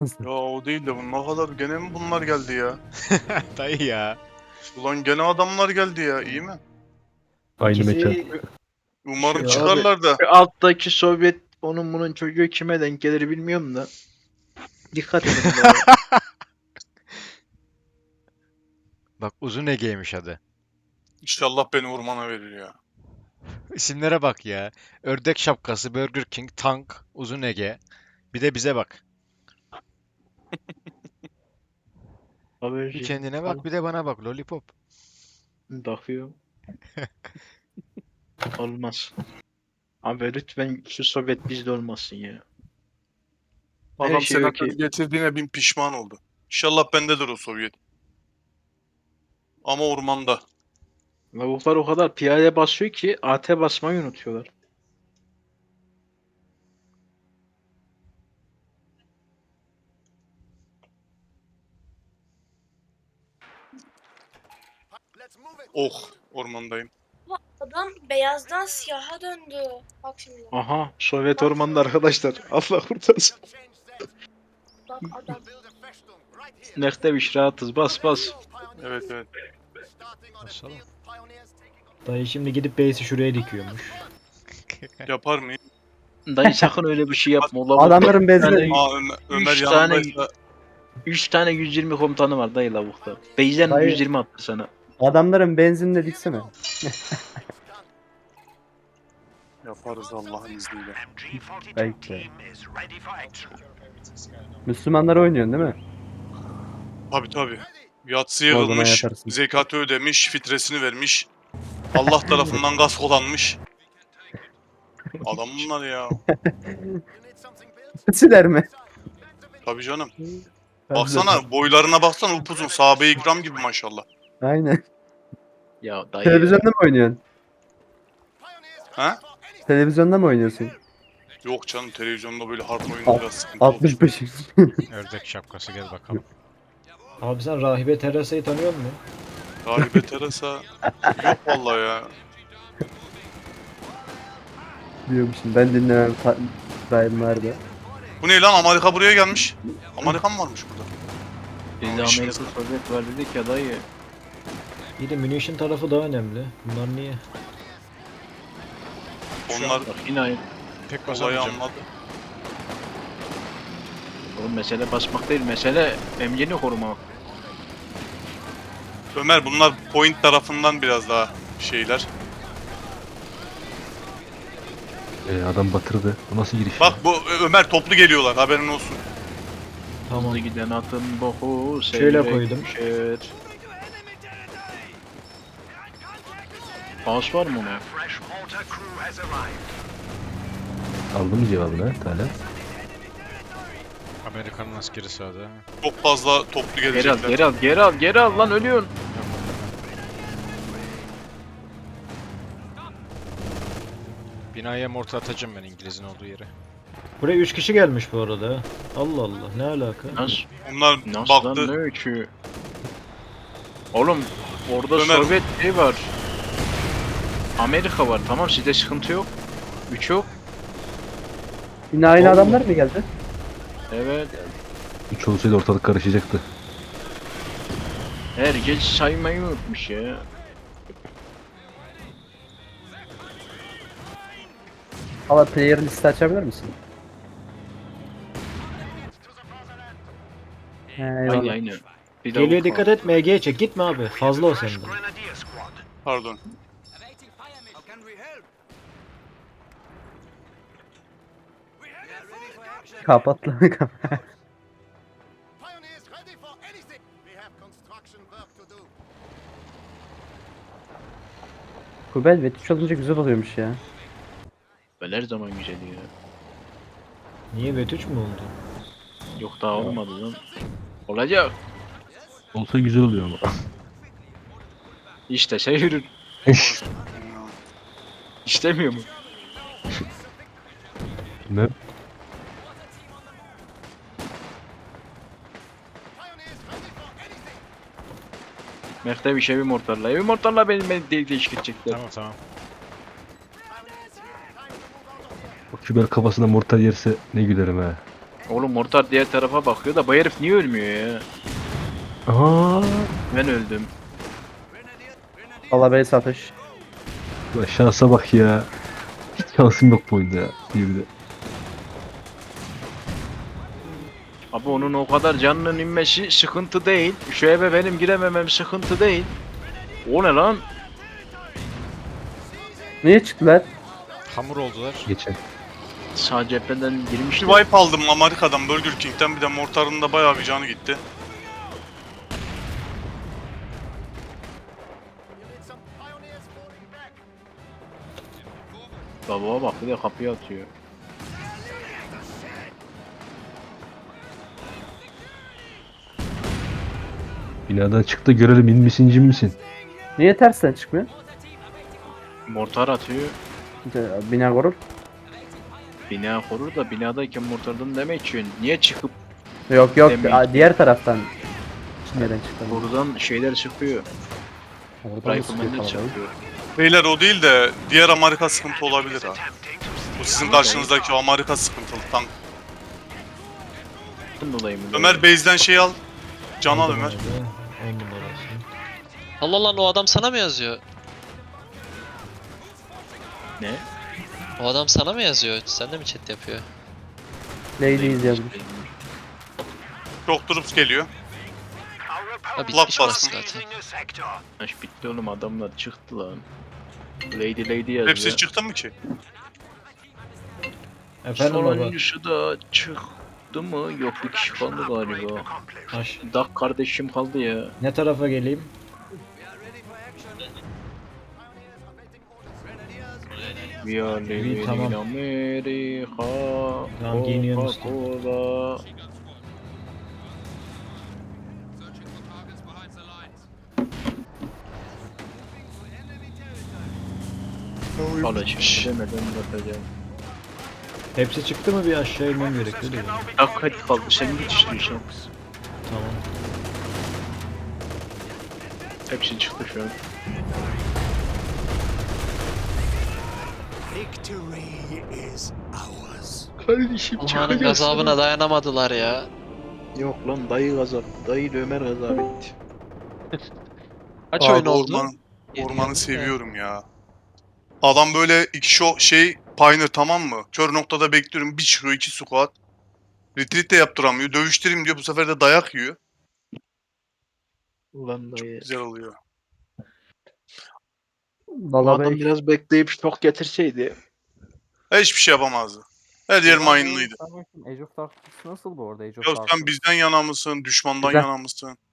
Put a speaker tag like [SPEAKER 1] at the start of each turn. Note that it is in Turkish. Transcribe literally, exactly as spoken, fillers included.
[SPEAKER 1] Ya o değil de bu ne kadar gene mi bunlar geldi ya?
[SPEAKER 2] Dayı ya.
[SPEAKER 1] Ulan gene adamlar geldi ya, iyi mi?
[SPEAKER 3] Aynı mekan.
[SPEAKER 4] İkisi
[SPEAKER 1] Umarım
[SPEAKER 4] şu abi,
[SPEAKER 1] çıkarlar da.
[SPEAKER 4] şu alttaki Sovyet onun bunun çocuğu kime denk gelir bilmiyorum da. Dikkat edin buraya.
[SPEAKER 2] Bak Uzun Ege'ymiş adı.
[SPEAKER 1] İnşallah beni ormana verir ya.
[SPEAKER 2] İsimlere bak ya. Ördek şapkası, Burger King, Tank, Uzun Ege. Bir de bize bak. Bir
[SPEAKER 4] Haberci.
[SPEAKER 2] kendine bak, bir de bana bak. Lollipop.
[SPEAKER 4] Bakıyor. Olmaz. Abi lütfen şu Sovyet bizde olmasın ya. Her
[SPEAKER 1] Adam
[SPEAKER 4] şey
[SPEAKER 1] senatörü
[SPEAKER 4] okey.
[SPEAKER 1] getirdiğine bin pişman oldu. İnşallah bendedir o Sovyet. Ama ormanda.
[SPEAKER 4] Lavuklar o kadar piyade basıyor ki A T basmayı unutuyorlar.
[SPEAKER 1] Oh, ormandayım.
[SPEAKER 5] Adam beyazdan siyaha döndü. Bak şimdi.
[SPEAKER 4] Aha Sovyet ormanında arkadaşlar. Allah kurtarsın.
[SPEAKER 5] Bak adam.
[SPEAKER 4] Nekteviş rahatız bas bas.
[SPEAKER 1] Evet evet.
[SPEAKER 2] Basalım.
[SPEAKER 6] Dayı şimdi gidip base'i şuraya dikiyormuş.
[SPEAKER 1] Yapar mıyım?
[SPEAKER 4] Dayı sakın öyle bir şey yapma. Lavuk
[SPEAKER 3] Adamların bezine
[SPEAKER 4] tane-
[SPEAKER 1] Aa Ömer, Ömer
[SPEAKER 4] Üç tane-
[SPEAKER 1] yanındaysa
[SPEAKER 4] üç tane yüz yirmi komutanı var dayı lavukta. Base'den
[SPEAKER 3] Dayı-
[SPEAKER 4] yüz yirmi attı sana.
[SPEAKER 3] adamların benzinle diksene.
[SPEAKER 1] yaparız Allah'ın izniyle.
[SPEAKER 3] Belki. Müslümanlar oynuyorsun değil mi?
[SPEAKER 1] Tabi tabi. Yatsıya
[SPEAKER 3] O zaman
[SPEAKER 1] yığılmış,
[SPEAKER 3] yaparsın.
[SPEAKER 1] zekatı ödemiş, fitresini vermiş. Allah tarafından gaskolanmış. Adam bunlar ya.
[SPEAKER 3] Siler mi?
[SPEAKER 1] Tabi canım.
[SPEAKER 3] Ben de-
[SPEAKER 1] Baksana boylarına baksana upuzun. Sahabe-i ikram gibi maşallah.
[SPEAKER 3] Aynen.
[SPEAKER 4] Ya dayı.
[SPEAKER 3] Televizyonda mı oynuyorsun?
[SPEAKER 1] Ha?
[SPEAKER 3] Televizyonda mı oynuyorsun?
[SPEAKER 1] Yok canım televizyonda böyle harp oyunu biraz sıkıntı olur.
[SPEAKER 3] altmış beş.
[SPEAKER 2] Ördek şapkası gel bakalım.
[SPEAKER 6] Abi sen Rahibe Teresa'yı tanıyor musun?
[SPEAKER 1] Rahibe Teresa yok vallahi ya.
[SPEAKER 3] Diyormuşum. Ben dinlemem. Ta- daim vardı.
[SPEAKER 1] Bu ne lan, Amerika buraya gelmiş. Amerikan varmış burada.
[SPEAKER 4] Bizde Amerika Sovyet var dedik ya dayı.
[SPEAKER 6] İyi de munition tarafı daha önemli. Bunlar niye?
[SPEAKER 1] Onlar
[SPEAKER 4] Bak yine aynı.
[SPEAKER 2] Pek
[SPEAKER 1] olayı
[SPEAKER 2] basamayacağım.
[SPEAKER 1] anladı.
[SPEAKER 4] Oğlum mesele basmak değil, mesele emniyeni korumak.
[SPEAKER 1] Ömer bunlar point tarafından biraz daha şeyler.
[SPEAKER 3] Ee, adam batırdı. Bu nasıl giriş?
[SPEAKER 1] Bak bu Ö- Ömer toplu geliyorlar, haberin olsun.
[SPEAKER 6] Tamam.
[SPEAKER 4] Hızlı giden atın boku
[SPEAKER 6] Şöyle
[SPEAKER 4] seyrek
[SPEAKER 6] koydum.
[SPEAKER 4] düşer. Paus var mı ona?
[SPEAKER 3] Aldın mı cevabını Tala?
[SPEAKER 2] Amerikan'ın askeri sağda.
[SPEAKER 1] Çok fazla toplu
[SPEAKER 4] Geri al,
[SPEAKER 1] gelecekler.
[SPEAKER 4] geri al, geri al, geri al lan ölüyorsun.
[SPEAKER 2] Binaya mortar atacağım ben İngiliz'in olduğu yere.
[SPEAKER 6] Buraya üç kişi gelmiş bu arada. ha. Allah Allah ne alaka?
[SPEAKER 4] Nasıl?
[SPEAKER 1] Onlar
[SPEAKER 4] Nasıl
[SPEAKER 1] baktı.
[SPEAKER 4] lan ne öykü? Oğlum orada
[SPEAKER 1] Ömer-
[SPEAKER 4] Sovyet şey var. Amerika var, tamam sizde sıkıntı yok. Üç yok.
[SPEAKER 3] Yine aynı adamlar mı geldi?
[SPEAKER 4] Evet.
[SPEAKER 3] Üç olsaydı ortalık karışacaktı.
[SPEAKER 4] Herkes saymayı unutmuş ya.
[SPEAKER 3] Ama player liste açabilir misin? He,
[SPEAKER 4] Aynı aynı. Bir
[SPEAKER 6] Geliyor
[SPEAKER 4] lavuk
[SPEAKER 6] dikkat
[SPEAKER 4] var.
[SPEAKER 6] et M G'ye çek gitme abi. Fazla o sende.
[SPEAKER 1] Pardon.
[SPEAKER 3] Kapat lan kapat.
[SPEAKER 7] Pioneers ready for anything. We have construction work to do.
[SPEAKER 3] Kubel ve üç olunca güzel oluyormuş ya.
[SPEAKER 4] Ben her zaman güzel ya.
[SPEAKER 6] Niye bet üç mü oldu?
[SPEAKER 4] Yok daha olmadı lan. Olacak.
[SPEAKER 3] Olsa güzel oluyor ama.
[SPEAKER 4] İşte şey yürür. İstemiyor mu?
[SPEAKER 3] Ne?
[SPEAKER 4] Mehter bir şey bir mortarla. Evi mortarla beni, beni de değişik edecekler.
[SPEAKER 2] Tamam tamam.
[SPEAKER 3] O Kübel kafasına mortar yerse ne gülerim ha.
[SPEAKER 4] Oğlum mortar diğer tarafa bakıyor da bu herif niye ölmüyor ya?
[SPEAKER 8] Aa,
[SPEAKER 4] Ben öldüm.
[SPEAKER 3] Valla base atış.
[SPEAKER 8] ulan şansa bak ya. Hiç şansım yok bu oyunda ya. Bir de.
[SPEAKER 4] Abi onun o kadar canının inmesi sıkıntı değil. Şu eve benim girememem sıkıntı değil. O ne lan?
[SPEAKER 3] Niye çıktılar?
[SPEAKER 2] Hamur oldular.
[SPEAKER 8] Geçen.
[SPEAKER 4] Sağ cepheden
[SPEAKER 1] Bir
[SPEAKER 4] girmişti.
[SPEAKER 1] wipe aldım Amerika'dan, Burger King'den, bir de mortarın da bayağı bir canı gitti.
[SPEAKER 7] Some pioneers falling back.
[SPEAKER 4] Babaya bak bir de kapıyı atıyor.
[SPEAKER 8] Binadan çık da görelim in misin cin misin?
[SPEAKER 3] Niye tersten çıkmıyor?
[SPEAKER 4] Mortar atıyor.
[SPEAKER 3] İşte bina korur.
[SPEAKER 4] Bina korur da binadayken mortardan demek için niye çıkıp
[SPEAKER 3] Yok yok
[SPEAKER 4] Demek
[SPEAKER 3] a-
[SPEAKER 4] ki.
[SPEAKER 3] diğer taraftan. Nereden çıktı?
[SPEAKER 4] buradan şeyler çıkıyor.
[SPEAKER 3] Oradan mı sıkıyor
[SPEAKER 4] Rifleman'ler
[SPEAKER 3] kalabalık?
[SPEAKER 4] çıkıyor.
[SPEAKER 1] Beyler o değil de diğer Amerika sıkıntı olabilir ha. Bu sizin karşınızdaki o Amerika sıkıntılı tank.
[SPEAKER 4] Bundan dolayı mı?
[SPEAKER 1] Ömer base'den şey al. Can al Ömer.
[SPEAKER 6] on numarası.
[SPEAKER 9] Allah lan o adam sana mı yazıyor?
[SPEAKER 4] Ne?
[SPEAKER 9] O adam sana mı yazıyor? Sen de mi chat yapıyor?
[SPEAKER 3] Ladies yazmış.
[SPEAKER 1] Çok troops geliyor.
[SPEAKER 9] Ha bitmiş
[SPEAKER 1] Laf
[SPEAKER 9] burası
[SPEAKER 1] bastım.
[SPEAKER 9] zaten.
[SPEAKER 4] Aş bitti oğlum adamlar çıktı lan. Lady Lady yazıyor.
[SPEAKER 1] Hepsi çıktı mı ki?
[SPEAKER 6] Efendim baba.
[SPEAKER 4] Sonuncusu da çıktı mı? Yok bir kişi kaldı galiba.
[SPEAKER 6] Taş.
[SPEAKER 4] Dak kardeşim kaldı ya.
[SPEAKER 6] Ne tarafa geleyim?
[SPEAKER 4] We are living in
[SPEAKER 6] tamam.
[SPEAKER 4] America.
[SPEAKER 6] Tamam, giyiniyorum işte.
[SPEAKER 4] Coca-Cola. Alışmış. Demeden bırakacağım.
[SPEAKER 6] Hepsi çıktı mı bir aşağı inmem gerekiyor değil mi?
[SPEAKER 4] Dak hadi kaldı sen git istiyorsan.
[SPEAKER 6] Tamam.
[SPEAKER 4] Hepsi çıktı şu an.
[SPEAKER 7] Victory is ours.
[SPEAKER 4] Kardeşim
[SPEAKER 9] Allah'ın gazabına dayanamadılar ya.
[SPEAKER 4] Yok lan dayı gazap. Dayı da Ömer gazap etti.
[SPEAKER 9] Kaç
[SPEAKER 1] Abi
[SPEAKER 9] oyun oldu?
[SPEAKER 1] orman-
[SPEAKER 9] Yedi
[SPEAKER 1] ormanı
[SPEAKER 9] yedi.
[SPEAKER 1] seviyorum ya. Adam böyle iki şo şey Pioneer, tamam mı? Kör noktada bekliyorum. Bir çıkıyor, iki squat. Retreat de yaptıramıyor. Dövüştüreyim diyor. Bu sefer de dayak yiyor.
[SPEAKER 4] Ulan dayı.
[SPEAKER 1] Güzel oluyor.
[SPEAKER 4] Bu
[SPEAKER 3] Valla
[SPEAKER 4] adam
[SPEAKER 3] ben
[SPEAKER 4] biraz bekleyip şok getirseydi.
[SPEAKER 1] Hiçbir şey yapamazdı. Her yer mine'lıydı.
[SPEAKER 10] Age of Darkness nasıl bu arada? Age of
[SPEAKER 1] Ya
[SPEAKER 10] Darkness.
[SPEAKER 1] sen bizden yana mısın? Düşmandan
[SPEAKER 3] Güzel.
[SPEAKER 1] yana mısın?